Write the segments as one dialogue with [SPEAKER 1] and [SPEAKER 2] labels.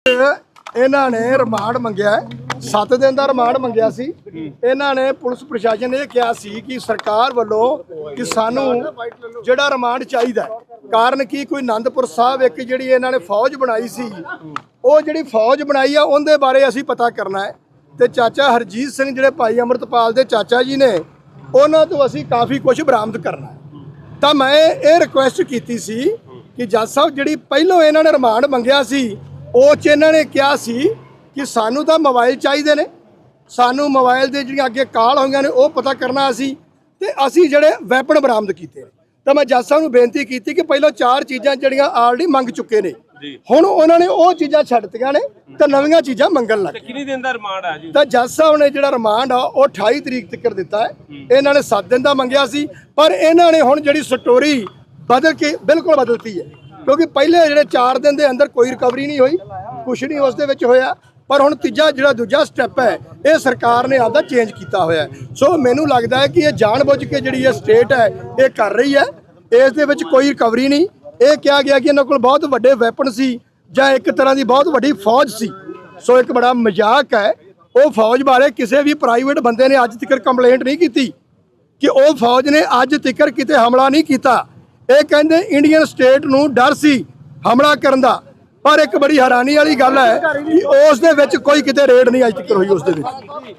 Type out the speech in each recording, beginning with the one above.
[SPEAKER 1] ਇਹਨਾਂ ਨੇ ਰਿਮਾਂਡ ਮੰਗਿਆ 7 ਦਿਨ ਦਾ ਰਿਮਾਂਡ ਮੰਗਿਆ ਸੀ। ਇਹਨਾਂ ਨੇ ਪੁਲਿਸ ਪ੍ਰਸ਼ਾਸਨ ਨੇ ਇਹ ਕਿਹਾ ਸੀ ਕਿ ਸਰਕਾਰ ਵੱਲੋਂ ਕਿ ਸਾਨੂੰ ਜਿਹੜਾ ਰਿਮਾਂਡ ਚਾਹੀਦਾ, ਕਾਰਨ ਕੀ ਕੋਈ ਆਨੰਦਪੁਰ ਸਾਹਿਬ ਇੱਕ ਜਿਹੜੀ ਇਹਨਾਂ ਨੇ ਫੌਜ ਬਣਾਈ ਸੀ, ਉਹ ਜਿਹੜੀ ਫੌਜ ਬਣਾਈ ਆ ਉਹਦੇ ਬਾਰੇ ਅਸੀਂ ਪਤਾ ਕਰਨਾ ਹੈ। ਤੇ ਚਾਚਾ ਹਰਜੀਤ ਸਿੰਘ ਜਿਹੜੇ ਭਾਈ ਅੰਮ੍ਰਿਤਪਾਲ ਦੇ ਚਾਚਾ ਜੀ ਨੇ, ਉਹਨਾਂ ਤੋਂ ਅਸੀਂ ਕਾਫੀ ਕੁਝ ਬਰਾਮਦ ਕਰਨਾ ਹੈ। ਤਾਂ ਮੈਂ ਇਹ ਰਿਕੁਐਸਟ ਕੀਤੀ ਸੀ ਕਿ ਜੱਜ ਸਾਹਿਬ ਜਿਹੜੀ ਪਹਿਲੋਂ ਇਹਨਾਂ ਨੇ ਰਿਮਾਂਡ ਮੰਗਿਆ ਸੀ, ਉਹ 'ਚ ਇਹਨਾਂ ਨੇ ਕਿਹਾ ਸੀ ਕਿ ਸਾਨੂੰ ਤਾਂ ਮੋਬਾਈਲ ਚਾਹੀਦੇ ਨੇ, ਸਾਨੂੰ ਮੋਬਾਈਲ ਦੇ ਜਿਹੜੀਆਂ ਅੱਗੇ ਕਾਲ ਹੋਈਆਂ ਨੇ ਉਹ ਪਤਾ ਕਰਨਾ ਅਸੀਂ, ਤੇ ਅਸੀਂ ਜਿਹੜੇ ਵੈਪਨ ਬਰਾਮਦ ਕੀਤੇ। ਤਾਂ ਮੈਂ ਜੱਜ ਸਾਹਿਬ ਨੂੰ ਬੇਨਤੀ ਕੀਤੀ ਕਿ ਪਹਿਲਾਂ 4 ਚੀਜ਼ਾਂ ਜਿਹੜੀਆਂ ਆਲਰੇਡੀ ਮੰਗ ਚੁੱਕੇ ਨੇ, ਹੁਣ ਉਹਨਾਂ ਨੇ ਉਹ ਚੀਜ਼ਾਂ ਛੱਡਤੀਆਂ ਨੇ ਤੇ ਨਵੀਆਂ ਚੀਜ਼ਾਂ ਮੰਗਣ ਲੱਗ ਗਏ।
[SPEAKER 2] ਕਿੰਨੀ ਦਿਨ ਦਾ ਰਿਮਾਂਡ ਆ ਜੀ? ਤਾਂ
[SPEAKER 1] ਜੱਜ ਸਾਹਿਬ ਨੇ ਜਿਹੜਾ ਰਿਮਾਂਡ ਆ ਉਹ 28 ਤਰੀਕ ਤੱਕ ਦਿੱਤਾ ਹੈ। ਇਹਨਾਂ ਨੇ 7 ਦਿਨ ਦਾ ਮੰਗਿਆ ਸੀ, ਪਰ ਇਹਨਾਂ ਨੇ ਹੁਣ ਜਿਹੜੀ ਸਟੋਰੀ ਬਦਲ ਕੇ ਬਿਲਕੁਲ ਬਦਲਤੀ ਹੈ, ਕਿਉਂਕਿ ਪਹਿਲੇ ਜਿਹੜੇ 4 ਦਿਨ ਦੇ ਅੰਦਰ ਕੋਈ ਰਿਕਵਰੀ ਨਹੀਂ ਹੋਈ, ਕੁਛ ਨਹੀਂ ਉਸ ਦੇ ਵਿੱਚ ਹੋਇਆ। ਪਰ ਹੁਣ ਦੂਜਾ ਸਟੈਪ ਹੈ, ਇਹ ਸਰਕਾਰ ਨੇ ਆਪਦਾ ਚੇਂਜ ਕੀਤਾ ਹੋਇਆ। ਸੋ ਮੈਨੂੰ ਲੱਗਦਾ ਹੈ ਕਿ ਇਹ ਜਾਣਬੁੱਝ ਕੇ ਜਿਹੜੀ ਇਹ ਸਟੇਟ ਹੈ ਇਹ ਕਰ ਰਹੀ ਹੈ, ਇਸ ਦੇ ਵਿੱਚ ਕੋਈ ਰਿਕਵਰੀ ਨਹੀਂ। ਇਹ ਕਿਹਾ ਗਿਆ ਕਿ ਇਹਨਾਂ ਕੋਲ ਬਹੁਤ ਵੱਡੇ ਵੈਪਨ ਸੀ ਜਾਂ ਇੱਕ ਤਰ੍ਹਾਂ ਦੀ ਬਹੁਤ ਵੱਡੀ ਫੌਜ ਸੀ। ਸੋ ਇੱਕ ਬੜਾ ਮਜ਼ਾਕ ਹੈ। ਉਹ ਫੌਜ ਬਾਰੇ ਕਿਸੇ ਵੀ ਪ੍ਰਾਈਵੇਟ ਬੰਦੇ ਨੇ ਅੱਜ ਤੱਕ ਕੰਪਲੇਂਟ ਨਹੀਂ ਕੀਤੀ ਕਿ ਉਹ ਫੌਜ ਨੇ ਅੱਜ ਤੱਕ ਕਿਤੇ ਹਮਲਾ ਨਹੀਂ ਕੀਤਾ। ਇਹ ਕਹਿੰਦੇ ਇੰਡੀਅਨ ਸਟੇਟ ਨੂੰ ਡਰ ਸੀ ਹਮਲਾ ਕਰਨ ਦਾ, ਪਰ ਇੱਕ ਬੜੀ ਹੈਰਾਨੀ ਵਾਲੀ ਗੱਲ ਹੈ ਕਿ ਉਸ ਦੇ ਵਿੱਚ ਕੋਈ ਕਿਤੇ ਰੇਡ ਨਹੀਂ ਅੱਜ ਤੱਕ ਹੋਈ ਉਸ ਦੇ ਵਿੱਚ।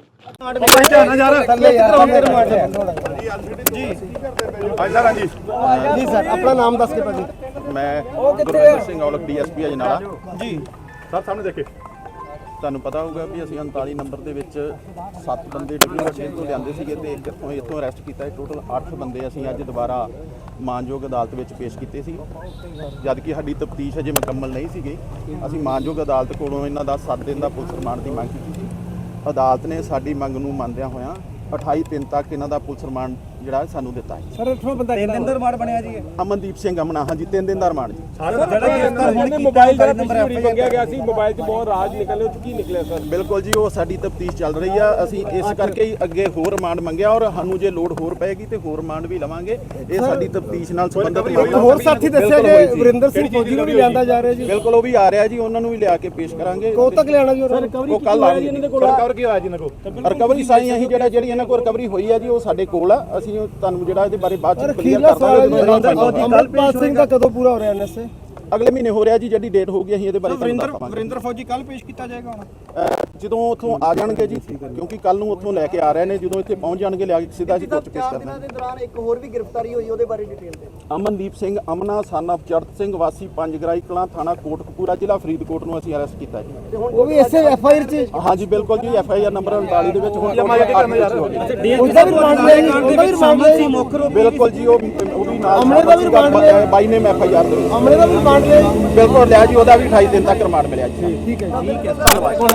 [SPEAKER 3] ਜੀ ਸਰ, ਆਪਣਾ ਨਾਮ ਦੱਸ ਕੇ ਭਾਜੀ।
[SPEAKER 4] ਮੈਂ ਗੁਰਵਿੰਦਰ ਸਿੰਘ ਔਲਖ DSP ਅਜਨਾਲਾ
[SPEAKER 3] ਜੀ
[SPEAKER 4] ਸਰ, ਸਾਹਮਣੇ ਦੇਖੇ ਤੁਹਾਨੂੰ ਪਤਾ ਹੋਊਗਾ ਵੀ ਅਸੀਂ 39 ਨੰਬਰ ਦੇ ਵਿੱਚ 7 ਬੰਦੇ WH ਤੋਂ ਲਿਆਂਦੇ ਸੀਗੇ ਤੇ ਇੱਥੋਂ ਅਰੈਸਟ ਕੀਤਾ। ਟੋਟਲ 8 ਬੰਦੇ ਅਸੀਂ ਅੱਜ ਦੁਬਾਰਾ ਮਾਨਯੋਗ ਅਦਾਲਤ ਵਿੱਚ ਪੇਸ਼ ਕੀਤੇ ਸੀ, ਜਦ ਕਿ ਸਾਡੀ ਤਫਤੀਸ਼ ਅਜੇ ਮੁਕੰਮਲ ਨਹੀਂ ਸੀਗੀ। ਅਸੀਂ ਮਾਨਯੋਗ ਅਦਾਲਤ ਕੋਲੋਂ ਇਹਨਾਂ ਦਾ 7 ਦਿਨ ਦਾ ਪੁਲਿਸ ਰਿਮਾਂਡ ਦੀ ਮੰਗ ਕੀਤੀ ਸੀ। ਅਦਾਲਤ ਨੇ ਸਾਡੀ ਮੰਗ ਨੂੰ ਮੰਨਦਿਆਂ ਹੋਇਆਂ 28 ਤੱਕ ਇਹਨਾਂ ਦਾ ਪੁਲਿਸ ਰਿਮਾਂਡ ਜਿਹੜਾ ਸਾਨੂੰ ਦਿੱਤਾ ਹੈ।
[SPEAKER 3] ਸਰ ਇੱਥੋਂ ਬੰਦਾ 3 ਦਿਨ ਦਾ ਰਿਮਾਂਡ ਬਣਿਆ ਜੀ।
[SPEAKER 4] ਅਮਨਦੀਪ ਸਿੰਘ ਅਮਨਾ, ਹਾਂਜੀ 3 ਦਿਨ ਦਾ ਰਿਮਾਂਡ ਜੀ।
[SPEAKER 2] ਮੋਬਾਈਲ ਦਾ ਪਿੱਛੇ ਮੰਗਿਆ ਗਿਆ ਸੀ, ਮੋਬਾਈਲ 'ਚ ਬਹੁਤ ਰਾਜ ਨਿਕਲੇ, ਉਹ 'ਚ ਕੀ ਨਿਕਲਿਆ ਸਰ?
[SPEAKER 4] ਬਿਲਕੁਲ ਜੀ, ਉਹ ਸਾਡੀ ਤਫਤੀਸ਼ ਚੱਲ ਰਹੀ ਆ। ਅਸੀਂ ਇਸ ਕਰਕੇ ਹੀ ਅੱਗੇ ਹੋਰ ਰਿਮਾਂਡ ਮੰਗਿਆ, ਔਰ ਸਾਨੂੰ ਜੇ ਲੋੜ ਹੋਰ ਪਏਗੀ ਤੇ ਹੋਰ ਰਿਮਾਂਡ ਵੀ ਲਵਾਂਗੇ। ਇਹ ਸਾਡੀ ਤਫਤੀਸ਼ ਨਾਲ ਸੰਬੰਧਿਤ
[SPEAKER 3] ਹੋਰ ਸਾਥੀ ਦੱਸਿਆ ਕਿ ਵਰਿੰਦਰ ਸਿੰਘ ਫੌਜੀ ਨੂੰ ਵੀ ਲਿਆਂਦਾ ਜਾ ਰਿਹਾ ਜੀ।
[SPEAKER 4] ਬਿਲਕੁਲ, ਉਹ ਵੀ ਆ ਰਿਹਾ ਜੀ, ਉਹਨਾਂ ਨੂੰ ਵੀ ਲਿਆ ਕੇ ਪੇਸ਼ ਕਰਾਂਗੇ।
[SPEAKER 3] ਕਦੋਂ ਤੱਕ ਲਿਆਣਾ ਜੀ?
[SPEAKER 4] ਉਹ ਕੱਲ ਆ ਜੀ। ਰਿਕਵਰ ਕੀ ਹੋਇਆ ਜੀ ਇਹਨਾਂ ਕੋਲ? ਰਿਕਵਰੀ ਸਾਈ ਅਸੀਂ ਜਿਹੜੀ ਇਹਨਾਂ ਕੋਲ ਰਿਕਵਰੀ ਹੋਈ ਆ ਜੀ, ਉਹ ਸਾਡੇ ਕੋਲ ਆ। ਅਸੀਂ ਤੁਹਾਨੂੰ ਜਿਹੜਾ ਇਹਦੇ ਬਾਰੇ ਬਾਅਦ ਚ ਕਲੀਅਰ ਕਰ ਦਾਂਗੇ।
[SPEAKER 3] ਅੰਮ੍ਰਿਤਪਾਲ ਸਿੰਘ ਦਾ ਕਦੋਂ ਪੂਰਾ ਹੋ ਰਿਹਾ ਐਨਐਸਏ?
[SPEAKER 4] ਅਗਲੇ ਮਹੀਨੇ ਹੋ ਰਿਹਾ ਜੀ, ਜਿਹੜੀ ਡੇਟ ਹੋਊਗੀ ਅਸੀਂ ਇਹਦੇ ਬਾਰੇ
[SPEAKER 3] ਵਰਿੰਦਰ ਫੌਜੀ ਕੱਲ ਪੇਸ਼ ਕੀਤਾ ਜਾਏਗਾ
[SPEAKER 4] ਜਦੋਂ ਉੱਥੋਂ ਆ ਜਾਣਗੇ ਜੀ, ਕਿਉਂਕਿ ਕੱਲ ਨੂੰ ਉੱਥੋਂ ਲੈ ਕੇ ਆ ਰਹੇ ਨੇ। ਜਦੋਂ ਇੱਥੇ ਪਹੁੰਚ ਜਾਣਗੇ ਲਿਆ ਕੇ ਸਿੱਧਾ ਅਸੀਂ ਕੋਰਟ ਪੇਸ਼ ਕਰ ਦਾਂਗੇ।
[SPEAKER 3] ਦੇ ਦੌਰਾਨ ਇੱਕ ਹੋਰ ਵੀ ਗ੍ਰਿਫਤਾਰੀ ਹੋਈ, ਉਹਦੇ ਬਾਰੇ ਡਿਟੇਲ ਦੇ।
[SPEAKER 4] ਅਮਨਦੀਪ ਸਿੰਘ ਅਮਨਾ ਸਨ ਆਫ ਚੜਤ ਸਿੰਘ ਵਾਸੀ ਪੰਜਗਰਾਈ ਕਲਾਂ, ਥਾਣਾ ਕੋਟਕਪੂਰਾ, ਜ਼ਿਲ੍ਹਾ ਫਰੀਦਕੋਟ ਨੂੰ ਅਸੀਂ ਅਰੈਸਟ ਕੀਤਾ ਜੀ।
[SPEAKER 3] ਉਹ ਵੀ ਇਸੇ ਐਫਆਈਆਰ 'ਚ?
[SPEAKER 4] ਹਾਂਜੀ ਬਿਲਕੁਲ ਜੀ, FIR ਨੰਬਰ 39 ਦੇ ਵਿੱਚ ਹੁਣ
[SPEAKER 3] ਉਹਦਾ ਵੀ ਰਿਮਾਂਡ ਲਿਆ?
[SPEAKER 4] ਬਿਲਕੁਲ ਜੀ, ਉਹ ਵੀ ਨਾਲ
[SPEAKER 3] ਅਮਨੇ ਦਾ ਵੀ ਰਿਮਾਂਡ ਲਿਆ?
[SPEAKER 4] ਬਾਈ ਨੇਮ FIR ਦੇ ਵਿੱਚ
[SPEAKER 3] ਅਮਨੇ ਦਾ ਵੀ ਰਿਮਾਂਡ ਲਿਆ?
[SPEAKER 4] ਬਿਲਕੁਲ ਲਿਆ ਜੀ, ਉਹਦਾ ਵੀ 28 ਦਿਨ ਤੱਕ ਰਿਮਾਂਡ ਮਿਲਿਆ ਜੀ।
[SPEAKER 3] ਠੀਕ ਹੈ।